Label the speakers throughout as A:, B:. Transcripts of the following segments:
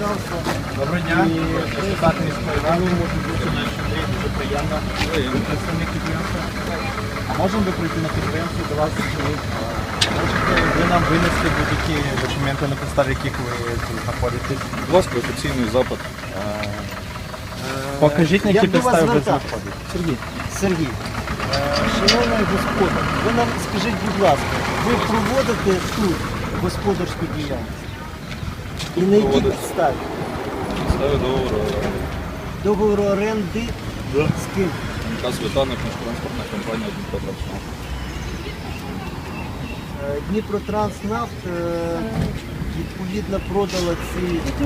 A: законодавства.
B: Доброго дня, депутат міської ради, Андрій, дуже приємно. Ви представник підприємства. А можемо ви прийти на підприємство до вас? Можете ви нам винести будь-які документи, на підставі яких ви тут знаходитесь?
C: Будь ласка, офіційний запит.
B: Покажіть, на які
A: Як до вас
B: підстави ви
A: звертатися?
B: знаходитесь.
A: Сергій, шановний господар, ви нам скажіть, будь ласка, ви проводите тут господарську діяльність? І на якій
C: Проводимо.
A: підставі?
C: Ставлю договору.
A: Договору оренди з ким?
C: МК Світанок, транспортна компанія Дніпро-Транснавт.
A: Дніпротранснафт відповідно продала ці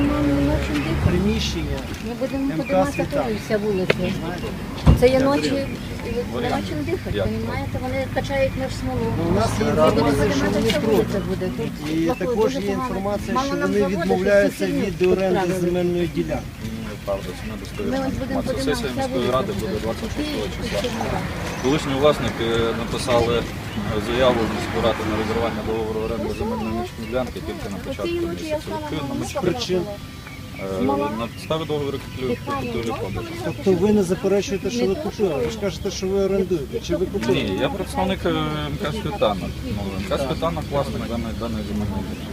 A: приміщення.
D: Ми будемо
A: МК
D: подимати
A: «Світанок».
D: вся вулиця. Це є ночі, нема чим дихати,
C: Як?
D: розумієте? Вони качають наш смолу.
A: У нас є
D: Ми будемо
A: інформація, що
D: подимати
A: вони
D: вся
A: проти.
D: вулиця буде. Тут
A: І
D: плохо,
A: також
D: дуже
A: є
D: погано.
A: інформація,
D: Мало
A: що
D: нам
A: вони
D: заводити,
A: відмовляються
D: сусідів
A: від оренди
D: підправили.
A: земельної ділянки.
C: Правда, це
D: Ми
C: недостовірна
D: ось будемо
C: інформація.
D: подимати
C: Сесія
D: вся
C: міської
D: вулиця.
C: ради буде 26 числа.
D: числа.
C: Колишні власники написали заяву в міську раду на розірвання договору оренди земельної нічної ділянки тільки на початку
D: Цієї ночі я
C: місяця.
D: встала
C: Відповідно, ми
D: на
A: причин?
C: на підставі договору купівлі продажу.
A: Тобто ви не заперечуєте, що ви купили. Ви ж кажете, що ви орендуєте. Чи ви купили?
C: Ні, я представник МК Світанок. МК Світанок власник даної земельної ділянки.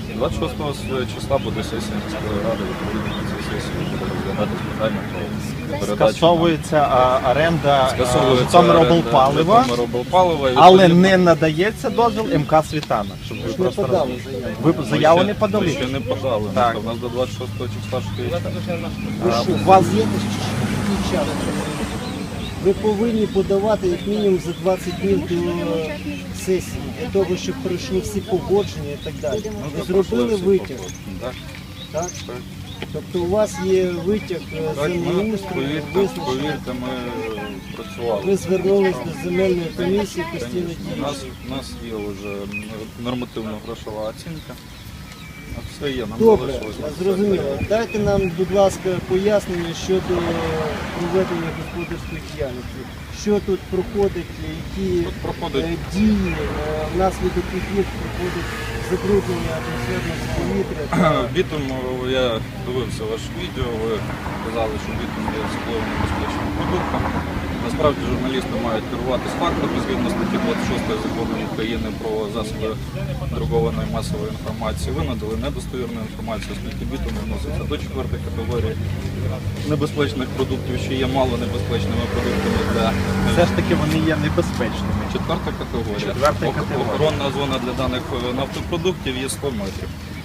C: 26 числа буде сесія міської ради, відповідно на цій сесії буде розглядатись питання про передачу.
B: Скасовується оренда
C: Скасовується
B: Житомироблпалива,
C: Житомироблпалива, і
B: але
C: відповідно,
B: не надається дозвіл МК Світанок. Щоб ви
A: не
B: просто
A: подали
B: розуміли.
A: заяву.
B: Ви
C: ми
B: заяву
C: ще-
B: не подали?
C: Ми ще не подали.
B: Так.
C: У нас до 26 числа ще є.
A: Ви що,
B: у вас
A: є який час? Ви повинні подавати як мінімум за 20 днів до сесії, для того, щоб пройшли всі погодження і так далі. Ви зробили витяг,
C: Так,
A: так? Тобто у вас є витяг
C: так, ми,
A: землеустрою, визначення.
C: повірте, ми працювали.
A: Ви звернулись до земельної комісії постійно
C: У нас є вже нормативно-грошова оцінка. Все є, нам
A: Добре,
C: залишилось.
A: зрозуміло. Дайте нам, будь ласка, пояснення щодо проведення господарської діяльності. Що тут проходить, які
C: Тут проходить
A: дії, внаслідок яких проходить забруднення атмосферного повітря.
C: бітум, я дивився ваше відео, ви казали, що бітум є особливо небезпечним продуктом. Насправді журналісти мають керуватись фактами згідно статті 26 закону України про засоби друкованої масової інформації. Ви надали недостовірну інформацію, оскільки бітум відноситься до 4-ї категорії небезпечних продуктів, що є малонебезпечними продуктами для
B: Все ж таки вони є небезпечними.
C: 4-та категорія.
B: Четверта категорія.
C: Охоронна зона для даних нафтопродуктів є 100 метрів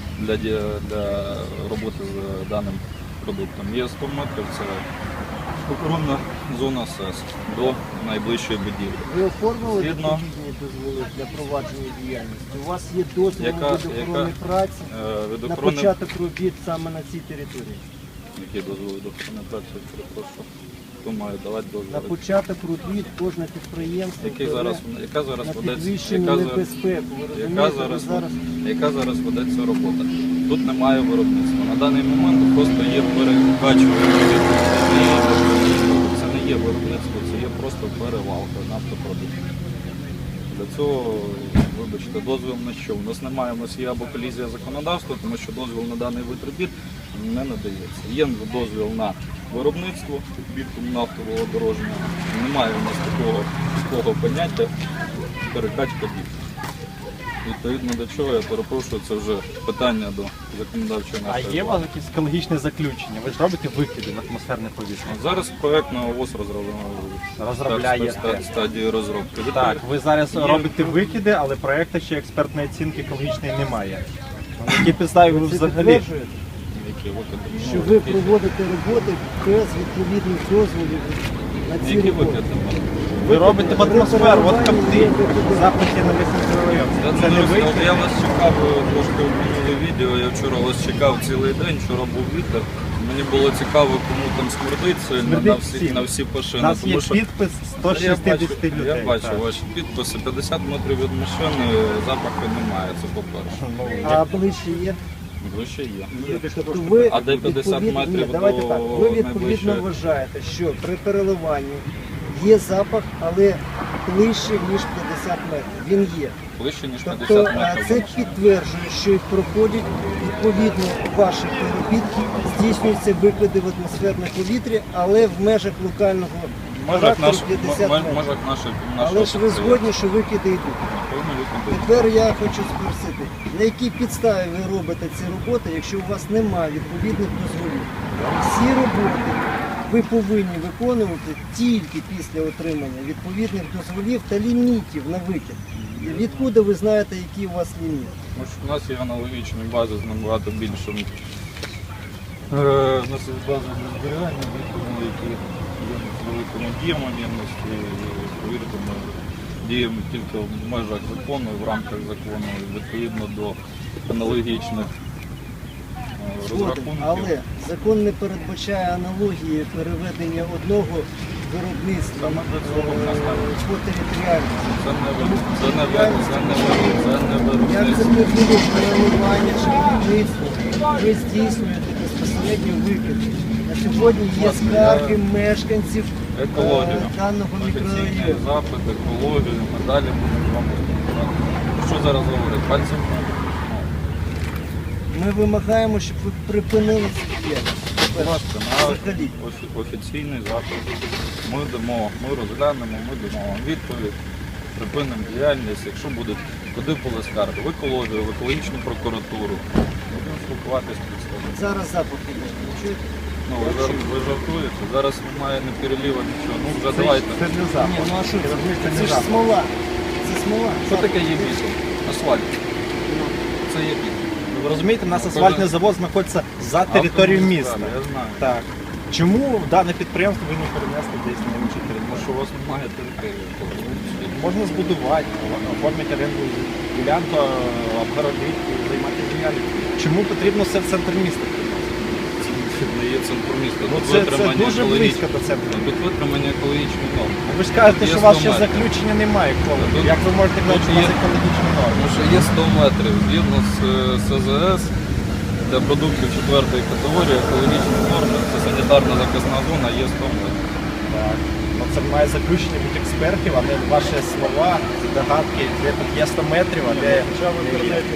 C: для роботи з даним продуктом. Є 100 метрів, це охоронна зона СЕС до найближчої будівлі.
A: Ви оформили
C: Згідно-
A: відповідні дозволи для провадження діяльності? У вас є дозвіл
C: Яка-
A: від охорони праці
C: Від
A: на
C: охорони,
A: початок робіт саме на цій території?
C: які дозволи до охорони праці, перепрошую, хто має давати
A: На
C: дозволи?
A: початок робіт кожне підприємство
C: Яка зараз
A: на
C: ведеться?
A: підвищену
C: Яка зараз-
A: небезпеку. Ви
C: Яка
A: розумієте,
C: зараз,
A: ви зараз
C: яка зараз ведеться робота? Тут немає виробництва. На даний момент просто є перекачування. Це не є виробництво, це є просто перевалка нафтопродуктів. Для цього, вибачте, дозвіл на що? У нас немає, у нас є або колізія законодавства, тому що дозвіл на даний вид робіт не надається. Є дозвіл на виробництво бітуму нафтового дорожнього. Немає у нас такого поняття перекачка бітуму. Відповідно до чого, я перепрошую, це вже питання до законодавчої
B: А
C: нашої
B: є у
C: влади.
B: вас якісь екологічне заключення? Ви ж робите викиди в атмосферне повітря?
C: Зараз проєктна ОВОЗ
B: Розробляє
C: стадії розробки.
B: Так, ви зараз
C: Є-
B: робите викиди, але проєкту ще експертної оцінки екологічної немає. На якій підставі ви
A: це
B: взагалі?
A: підтверджуєте,
C: Які викиди?
A: що ви проводите роботи без відповідних дозволів на ці
C: Які
A: роботи.
C: викиди?
B: Ви робите в атмосферу, от капти, запахи на весь мікрорайон. Це не ви?
C: Я вас чекав трошки в минуле відео, я вчора вас чекав цілий день, вчора був вітер. Мені було цікаво, кому там смердить сильно
B: Смердить
C: на
B: всім.
C: всі
B: У
C: пошини.
B: нас є
C: тому що
B: підпис
C: я
B: 160 людей.
C: Я бачу
B: так.
C: ваші підписи. 50 метрів від машини запаху немає, це по-перше.
B: Ну,
A: А ближче є?
C: Вище є.
A: Тобто ви
C: А де 50
A: відповідно-
C: метрів
A: Ні, давайте
C: до
A: так. Ви відповідно
C: найближчої?
A: вважаєте, що при переливанні Є запах, але ближче, ніж 50 метрів. Він є.
C: Ближче, ніж
A: Тобто
C: 50 метрів.
A: це підтверджує, що їх проходять, відповідно ваших переробітків, здійснюються викиди в атмосферне повітря, але в межах локального
C: В межах
A: характеру 50 метрів.
C: нашого
A: Але ж ви згодні, що викиди йдуть. Тепер я хочу спросити, на якій підставі ви робите ці роботи, якщо у вас немає відповідних дозволів? Всі роботи ви повинні виконувати тільки після отримання відповідних дозволів та лімітів на викид. І відкуди ви знаєте, які у вас ліміти?
C: Тому що у нас є аналогічні бази з набагато більшим. У нас є бази для зберігання відповідно, які є з великими діями ємності. Повірте, ми діємо тільки в межах закону і в рамках закону, відповідно до аналогічних
A: Згоден,
C: розрахунків.
A: але закон не передбачає аналогії переведення одного виробництва
C: Саме до цього в нас так.
A: по територіальності.
C: Це не
A: Як це
C: виробництво.
A: не було планування чи виробництво, ви здійснюєте безпосередньо викиди. На сьогодні є скарги мешканців
C: Екологію.
A: даного
C: Офіційний
A: мікрорайону.
C: запит, екологію, ми далі будемо вам розповідати. Що зараз говорить? Пальцем?
A: Ми вимагаємо, щоб ви припинили цю діяльність.
C: Будь ласка, на
A: Взагалі.
C: офіційний запит. Ми розглянемо, ми дамо вам відповідь, припинимо діяльність, якщо будуть, куди були скарги, в екологію, в екологічну прокуратуру. Будемо спілкуватися з представниками.
A: Зараз запах іде. Ви чуєте?
C: Ну, ви жартуєте, зараз немає ні переліва, нічого. Ну вже давайте.
B: Це не запах.
A: Ні, ну а що це?
B: Розумієте,
A: Це
B: не
A: ж
B: запах.
A: смола. Це смола.
C: Що таке є бітум? Асфальт. Це є бітум.
B: Ви розумієте, у нас асфальтний завод знаходиться за територією міста.
C: Я знаю.
B: Так. Чому дане підприємство ви не перенесли десь на іншу
C: Тому
B: територію?
C: що у вас немає території.
B: Можна збудувати, оформити оренду ділянку, обгородити, займатися діяльністю. Чому потрібно все в центр міста?
C: Це не є центром міста.
B: Ну,
C: Тут
B: це
C: витримання
B: дуже близько до центру.
C: Тут витримання екологічних норм.
B: Ви ж кажете,
C: Є
B: що у вас
C: 100
B: ще
C: метрів.
B: заключення немає екології.
C: Тут-
B: Як ви можете казати, що у вас
C: є-
B: екологічні норми?
C: Тому що є 100 метрів. Згідно з СЗС, для продуктів 4 категорії екологічні норми, це санітарна захисна зона, є 100 метрів.
B: Так. Ну, це має заключення від експертів, а не ваші слова, догадки, де тут є 100 метрів, а де не є.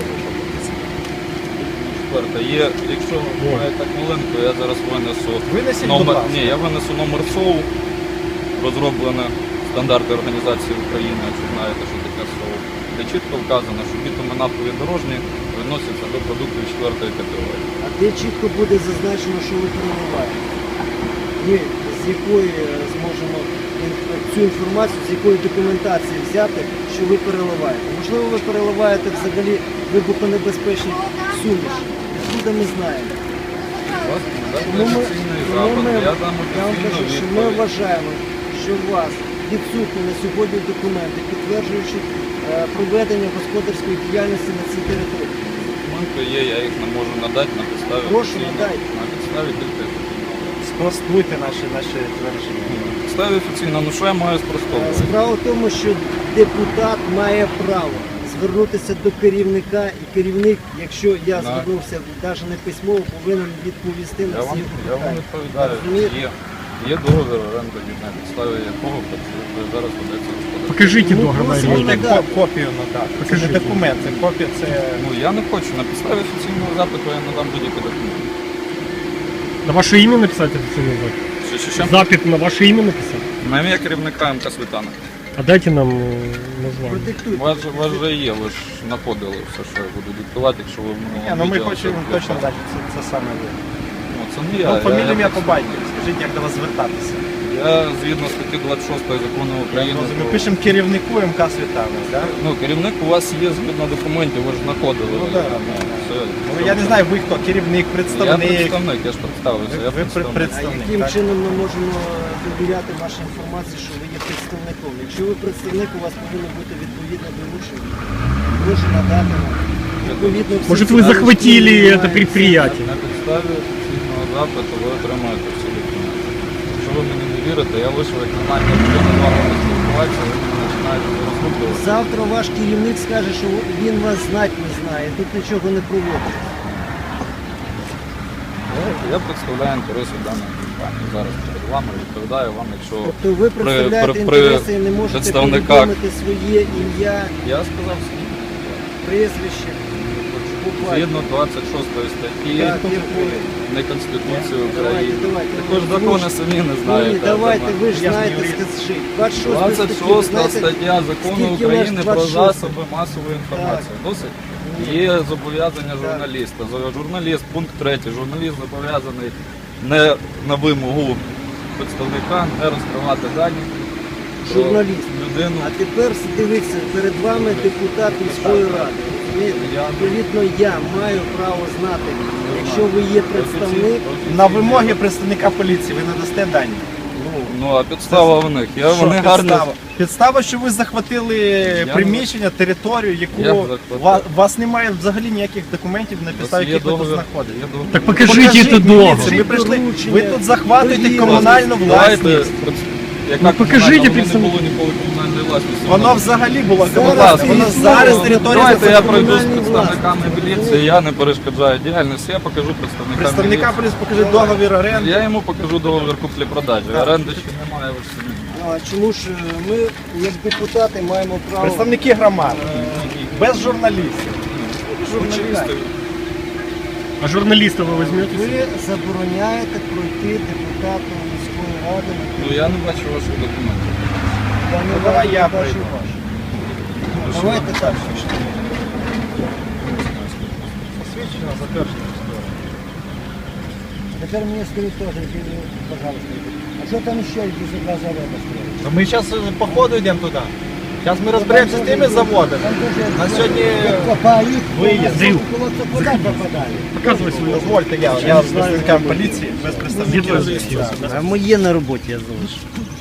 C: Четверте, є, якщо ви маєте хвилинку, я зараз винесу
B: Винесіть, будь
C: номер.
B: ласка.
C: Ні, я винесу номер СОУ, розроблене стандарти Організації України, якщо знаєте, що таке СОУ, де чітко вказано, що бітуми нафтові дорожні відносяться до продуктів 4 категорії.
A: А де чітко буде зазначено, що ви переливаєте? Ми з якої зможемо цю інформацію, з якої документації взяти, що ви переливаєте? Можливо, ви переливаєте взагалі вибухонебезпечні суміші. Откуда ми знаємо?
C: Будь ласка, надайте
A: Тому ми,
C: офіційний
A: тому
C: запит,
A: ми,
C: я дам
A: я вам
C: офіційну
A: кажу, що ми
C: відповідь.
A: вважаємо, що у вас відсутні на сьогодні документи, підтверджуючи проведення господарської діяльності на цій території.
C: Документи є, я їх не можу надати на підставі
A: Прошу,
C: офіційного-
A: надайте.
C: на підставі тільки офіційного.
B: Спростуйте наші твердження.
C: На підставі офіційного, ну що я маю спростовувати?
A: Справа в тому, що депутат має право звернутися до керівника, і керівник, якщо я
C: Так.
A: звернувся навіть не письмово, повинен відповісти на
C: Я
A: всі
C: вам
A: питання.
C: відповідаю.
A: Розумієте?
C: Є договір оренди, на підставі якого зараз ведеться господарство.
E: Покажите
A: Ну,
E: договор.
A: просто
B: Можете
A: надати.
B: копію надати. Це
E: Покажіть.
B: не документ, це копія, це...
C: Ну я не хочу. На підставі офіційного запиту я надам будь-які документи.
E: На ваше имя написать официальный запит?
C: Що?
E: Запит на ваше имя написать?
C: На ім'я керівника МК Світана.
E: А дайте нам название.
A: Продиктуйте.
C: У вас вже є, ви ж знаходили все, що я буду диктувати, якщо ви в
B: Ні,
C: минулому
B: ну ми
C: відео
B: хочемо
C: все
B: точно
C: включали.
B: знати, це саме ви.
C: Ну це не я.
B: Ну, фамілію,
C: я
B: ім'я по батькові. Скажіть, як до вас звертатися.
C: Я згідно статті 26 закону України.
B: Ми пишемо керівнику МК Світана, так?
C: Ну, керівник у вас є згідно документів, ви ж знаходили.
B: Ну, да.
C: Все.
B: Ну, я не знаю, ви хто, керівник,
C: Я
B: представник.
C: представник, я ж представився. Я
B: Ви
C: представник.
A: А
B: представник,
A: яким
B: так?
A: чином ми можемо довіряти вашій інформації, що ви є представником? Якщо ви представник, у вас повинно бути відповідне доручення. Прошу надати нам. Відповідно, всі
E: Может
A: ці
E: вы
A: дані,
E: захватили
A: які
E: это
A: ви
E: предприятие?
C: На підставі офіційного запиту ви отримаєте всі документи. Якщо ви мені не вірите, я вийшов як на намір, що не з вами поспілкуватися, ви мене починаєте розслідувати.
A: Завтра ваш керівник скаже, що він вас знати не знає, тут нічого не проводить.
C: Я представляю інтереси даної. компанії. Зараз перед вами відповідаю вам, якщо
A: Тобто ви представляєте
C: при
A: інтереси і не можете
C: представниках-
A: повідомити своє ім'я,
C: я сказав свій.
A: прізвище. буквально.
C: Згідно 26 статті
A: Так, якої?
C: не Конституції
A: Давайте,
C: України.
A: давайте.
C: Також закони самі не
A: Ні,
C: знаєте.
A: давайте, ви ж
B: Я
A: знаєте,
B: юрист.
A: скажіть. 26
C: 26
A: знаєте,
C: стаття Закону
A: скільки
C: України
A: наш
C: про
A: 26?
C: засоби масової інформації. Досить? Є зобов'язання журналіста. Журналіст, пункт 3. Журналіст зобов'язаний не на вимогу представника не розкривати дані про
A: Журналіст.
C: людину.
A: А тепер дивіться, перед вами депутат міської ради. розумієте? Відповідно, я маю право знати, якщо ви є представник,
B: На вимоги представника поліції ви надасте дані.
C: Ну а підстава в них. Вони гарно.
B: Підстава, що ви захватили приміщення, територію,
C: Як
B: яку
C: захватили?
B: у вас немає взагалі ніяких документів, на підставі
C: Є
B: яких ви тут
C: договір.
B: знаходитесь.
C: Є договір.
E: Так покажите это договор.
B: міліції, ми прийшли.
A: доручення,
B: Ви тут захватуєте
A: доїзд.
B: комунальну
C: Давайте,
B: власність.
C: яка
E: Ну, покажіть,
C: комунальна? Воно не
E: представник.
C: було ніколи комунальної власності.
B: Воно взагалі було
A: Зараз
B: комунальне. Воно
A: існує.
B: зараз територія
C: Давайте я
A: це
C: пройду з
A: комунальні
C: представниками
A: власності.
C: міліції, я не перешкоджаю діяльність, я покажу представника
B: представника
C: міліції.
B: поліції, покажи договір оренди.
C: Я йому покажу договір куплі-продажі. Оренди ще немає, ви ж самі.
A: А чому ж ми, як депутати, маємо право...
B: Представники громади. Без журналістів.
C: Журналісти.
E: А журналиста вы возьмете?
A: Ви забороняєте пройти депутату міської ради.
C: Ну я не бачу ваших документів.
A: Я не
B: давай я
A: бачу
B: пройду.
A: ваші. Давайте так.
B: Посвідчено, затверджено.
A: Тепер мені скажіть теж, пожалуйста. А що там ще якісь два заводи стоять?
B: Ну, ми зараз по ходу йдемо туди. Зараз ми розберемося з тими заводами. На сьогодні виїзд.
A: Куди попадає?
E: Показывай свою.
B: Дозвольте, я з представниками поліції, без представників.
A: А моє на роботі я залишу.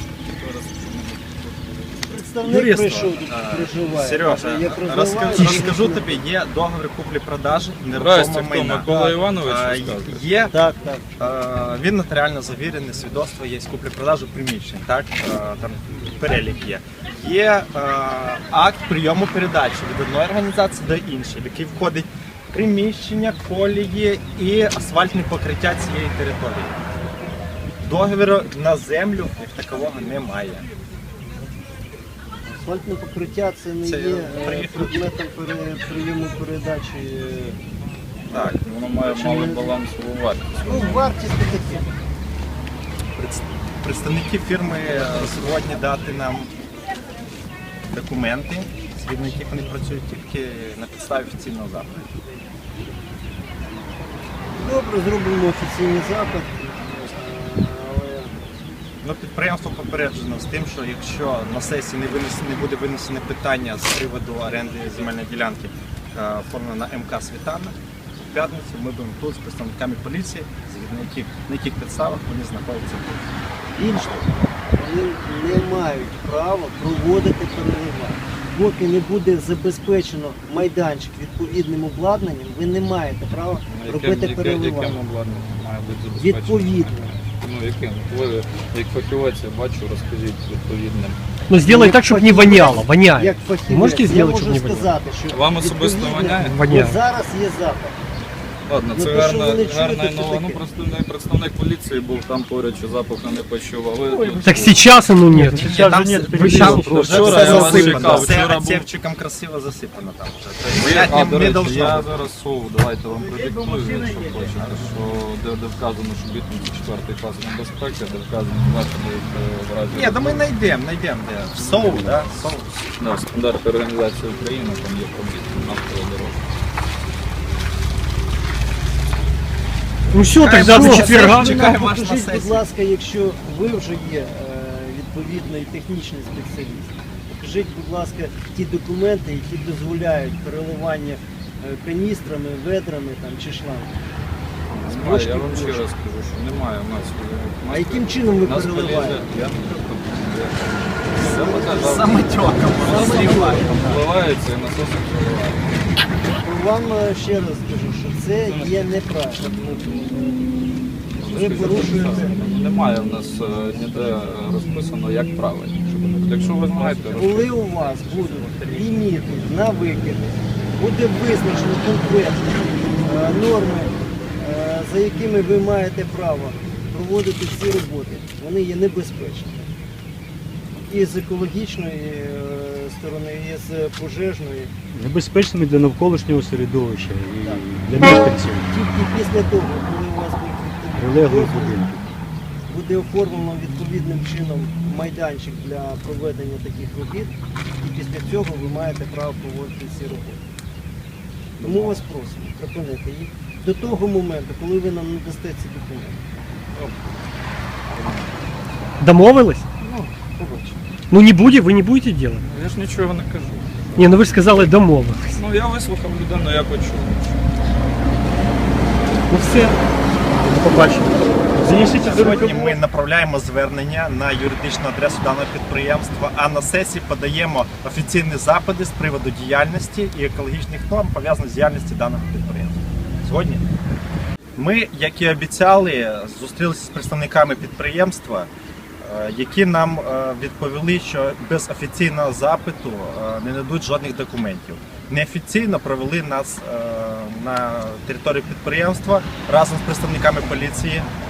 A: Представник прийшов тут, проживає.
B: Сережа,
A: Я проживаю.
B: розкажу тобі, є договір куплі-продажі нерухомого
C: Здрасте, хто?
B: майна.
C: Микола Іванович
B: А,
C: розказує?
B: Є,
A: Так, так.
B: він нотаріально завірений, свідоцтво є, куплі-продажу приміщень, так? Там перелік є. Є акт прийому передачі від одної організації до іншої, в який входить приміщення, колії і асфальтне покриття цієї території. Договіру на землю як такового немає.
A: Асфальтне покриття це не
B: Це
A: є
B: приїхав.
A: предметом прийому передачі.
B: Так.
C: Воно має малий балансову вартість.
A: Ну, вартість таке.
B: Представники фірми сьогодні дати нам документи, згідно яких вони працюють тільки на підставі офіційного запиту.
A: Добре, зробимо офіційний запит. Але
B: Ну, підприємство попереджено з тим, що якщо на сесії не буде винесене питання з приводу оренди земельної ділянки, оформлено на МК Світана, в п'ятницю ми будемо тут з представниками поліції, згідно на яких підставах вони знаходяться тут.
A: інше, вони не мають права проводити переливання. Поки не буде забезпечено майданчик відповідним обладнанням, ви не маєте права робити
C: Яким
A: переливання.
C: обладнанням має бути забезпечено?
A: Відповідно.
C: Ну яким? Ви як фахівець, я бачу, розкажіть відповідним.
E: Ну сделай
A: Як
E: так, чтобы не
A: фахівець,
E: воняло. Воняет.
A: Як фахівець,
E: Можете
A: я
E: сделать,
A: можу
E: чтобы не воняло?
A: сказати, що
C: Вам особисто
A: відповідно,
C: воняє?
E: Воняє.
A: от зараз є запит.
C: Ладно,
A: Ну,
C: це
A: то, що
C: гарна,
A: ви не чуєте,
C: гарна
A: це
C: нова. Ну
A: таке.
C: представник поліції був там поряд, що запаху не почув. А ви
E: Так сейчас оно нет. Сейчас
B: Там
E: же нет.
B: все-
E: переписок.
C: Вчора
B: Все
C: я вас
B: засипано,
C: чекав,
B: все
C: вчора був-
B: отсевчиком красиво засипано там вже.
C: А,
B: Тобто,
C: до
B: не
C: речі,
B: должно
C: я
B: бути.
C: зараз сов, давайте вам продиктую, якщо хочете, що де вказано, що бітум 4 клас небезпеки, де вказано заходи в разі...
B: Ні, да ми знайдемо, де. Соу, да? Соу.
C: Да, стандарти Організації України, там є пробіг нафтова дорога.
E: Ну все, тогда до четверга.
B: Чекаємо
A: Ви нам
B: вас на
A: покажіть, будь
B: сесії.
A: ласка, якщо ви вже є відповідний технічний спеціаліст, покажіть, будь ласка, ті документи, які дозволяють переливання каністрами, ведрами там, чи шлангами.
C: Немає, я вам ще раз скажу, що немає у нас.
A: А яким чином ви
C: нас
A: переливаєте?
C: полізе- Я не кажу, я показав.
B: Самотеком.
C: Впливається і насос впливає.
A: Вам ще раз скажу, що це є неправильно. Ви порушуєте.
C: Немає в нас ніде розписано, як правильно. Якщо ви знаєте,
A: Коли у вас будуть ліміти на викиди, буде визначено конкретно норми, за якими ви маєте право проводити ці роботи, вони є небезпечними. І з екологічної сторони, і з пожежної.
E: Небезпечними для навколишнього середовища і
A: Так.
E: для мешканців
A: Тільки після того, коли у вас
E: прилеглих
A: буде
E: будинків.
A: буде оформлено відповідним чином майданчик для проведення таких робіт, і після цього ви маєте право проводити ці роботи. Тому вас просимо припинити їх до того моменту, коли ви нам надасте ці документи.
E: Домовились?
A: Ну, побачимо.
E: Ну не буде, ви не будете делать?
C: Я ж нічого не кажу.
E: Ні, ну ви ж сказали домовились.
C: Ну я вислухав людину, я почув.
E: Ну все, до побачення. Занесіть до
B: Сьогодні
E: руки.
B: ми направляємо звернення на юридичну адресу даного підприємства, а на сесії подаємо офіційні запити з приводу діяльності і екологічних норм, пов'язаних з діяльністю даного підприємства. Сьогодні ми, як і обіцяли, зустрілися з представниками підприємства, які нам відповіли, що без офіційного запиту не нададуть жодних документів. Неофіційно провели нас на територію підприємства разом з представниками поліції.